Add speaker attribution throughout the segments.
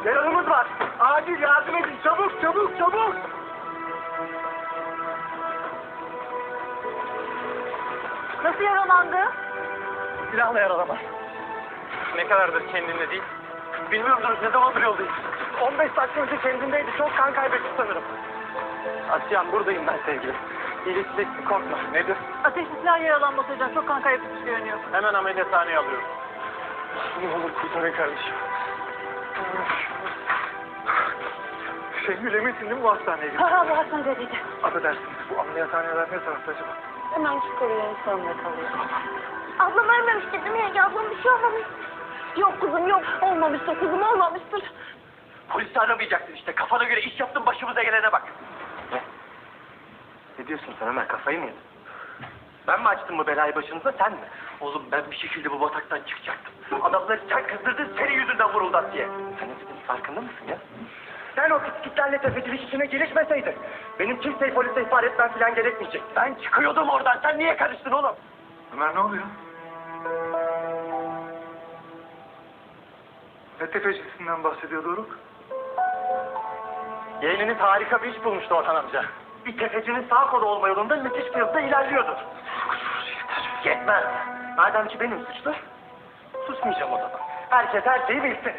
Speaker 1: Yaralımız var. Acil yardım edin. Çabuk, çabuk, çabuk.
Speaker 2: Nasıl yaralandı?
Speaker 1: Silahla yaralama.
Speaker 3: Ne kadardır kendinde değil?
Speaker 1: Bilmiyoruz ne zamandır yoldayız. 15 dakika önce kendindeydi. Çok kan kaybetti sanırım. Asyan buradayım ben sevgilim. İyileşeceksin korkma. Nedir?
Speaker 2: Ateşli silah yaralanması hocam. Çok kan kaybetmiş görünüyor.
Speaker 3: Hemen ameliyathaneye alıyorum.
Speaker 1: Ne olur kurtarın kardeşim. Şengül eminsin değil mi bu hastaneye gittin?
Speaker 2: Ha bu hastanedeydi.
Speaker 1: Affedersiniz bu ameliyathaneler ne tarafta acaba?
Speaker 2: Hemen şu koruyanın sonunda kalıyor.
Speaker 4: Ablam ölmemiştir değil mi yenge? Ablam bir şey olmamış. Yok kızım yok. Olmamıştır kızım olmamıştır.
Speaker 1: Polisi aramayacaksın işte. Kafana göre iş yaptın başımıza gelene bak. Ne diyorsun sen Ömer? Kafayı mı yedin? Ben mi açtım bu belayı başınıza sen mi? Oğlum ben bir şekilde bu bataktan çıkacaktım. Adamları sen kızdırdın senin yüzünden vuruldu diye. Sen ne farkında mısın ya? Sen o piskitlerle tefecilik işine girişmeseydin benim kimseyi polise ihbar etmem falan gerekmeyecek. Ben çıkıyordum oradan. Sen niye karıştın oğlum?
Speaker 5: Ömer ne oluyor? Ne tefecisinden bahsediyor Doruk?
Speaker 1: Yeğeniniz harika bir iş bulmuştu Orhan amca. Bir tefecinin sağ kolu olma yolunda müthiş bir hızla ilerliyordu. Yetmez. Madem ki benim suçlu, susmayacağım o zaman. Herkes her şeyi bilsin.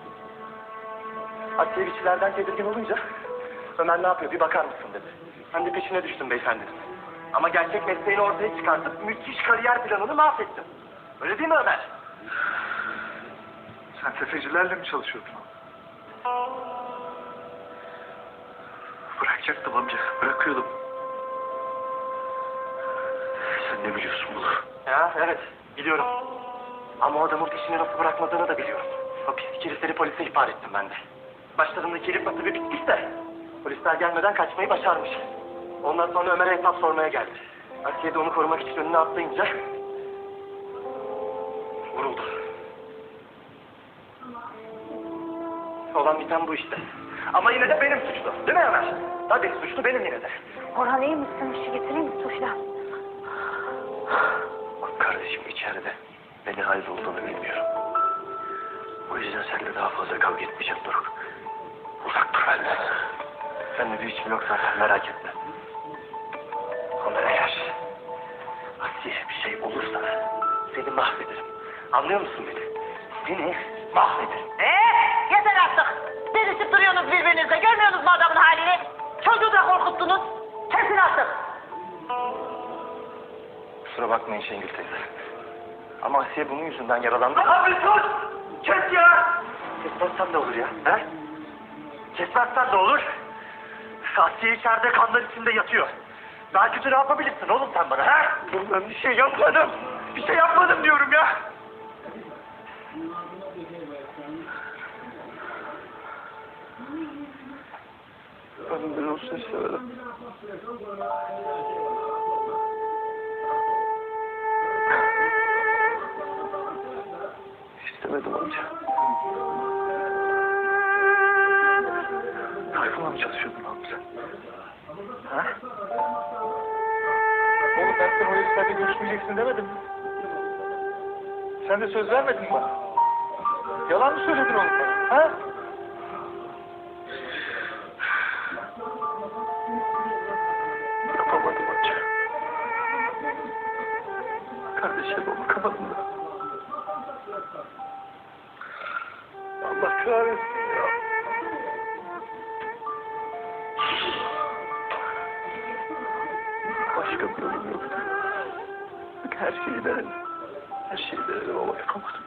Speaker 1: Asiye biçilerden tedirgin olunca, Ömer ne yapıyor bir bakar mısın dedi. Ben de peşine düştüm beyefendinin. Ama gerçek mesleğini ortaya çıkartıp müthiş kariyer planını mahvettim. Öyle değil mi Ömer?
Speaker 5: Sen tefecilerle mi çalışıyordun? Bırakacaktım amca, bırakıyordum. Sen ne biliyorsun bunu?
Speaker 1: Ya evet, biliyorum. Ama o adamın peşini nasıl bırakmadığını da biliyorum. O pislik herifleri polise ihbar ettim ben de. Başlarındaki herif nasıl bir bitmiş de polisler gelmeden kaçmayı başarmış. Ondan sonra Ömer'e hesap sormaya geldi. Asiye de onu korumak için önüne atlayınca vuruldu. Olan biten bu işte. Ama yine de benim suçlu. Değil mi Ömer? Tabii suçlu benim yine de.
Speaker 4: Orhan iyi misin? Bir şey getireyim mi Tuşla?
Speaker 5: Bak kardeşim içeride. Ne halde olduğunu bilmiyorum. O yüzden seninle daha fazla kavga etmeyeceğim Doruk. Uzak dur benden.
Speaker 1: Seninle bir işim yok zaten merak etme.
Speaker 5: Ama eğer
Speaker 1: Asiye bir şey olursa seni mahvederim. Anlıyor musun beni? Seni mahvederim.
Speaker 2: Yeter artık. Delişip duruyorsunuz birbirinize. Görmüyorsunuz mu adamın halini? Çocuğu da korkuttunuz. Kesin artık.
Speaker 1: Kusura bakmayın Şengül teyze. Ama Asiye bunun yüzünden yaralandı. Abi sus! Kes ya! Kesmezsen de olur ya. He? Kesmezsen de olur. Asiye içeride kanlar içinde yatıyor. Daha kötü ne yapabilirsin oğlum sen bana he? Ben bir şey yapmadım. Bir şey yapmadım diyorum ya.
Speaker 5: ben olsun istemedim. İstemedim amca. Tayfun'la mı çalışıyordun abi sen?
Speaker 1: Ha? Oğlum ben sana o heriflerle görüşmeyeceksin demedim mi? Sen de söz vermedin mi bana? Yalan mı söyledin oğlum bana? Ha?
Speaker 5: Yapamadım amca. Kardeşime bakamadım da. Allah kahretsin ya. Başka bir yolum yok. Bak her şeyi denedim. Her şeyi denedim ama yapamadım.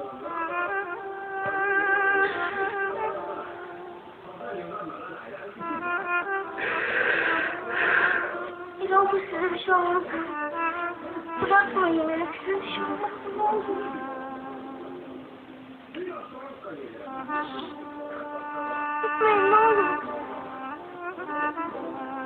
Speaker 4: Bir olur size bir şey olmaz. Bırakmayın beni. Size bir şey olmaz. Ne olur. Gitmeyin ne olur.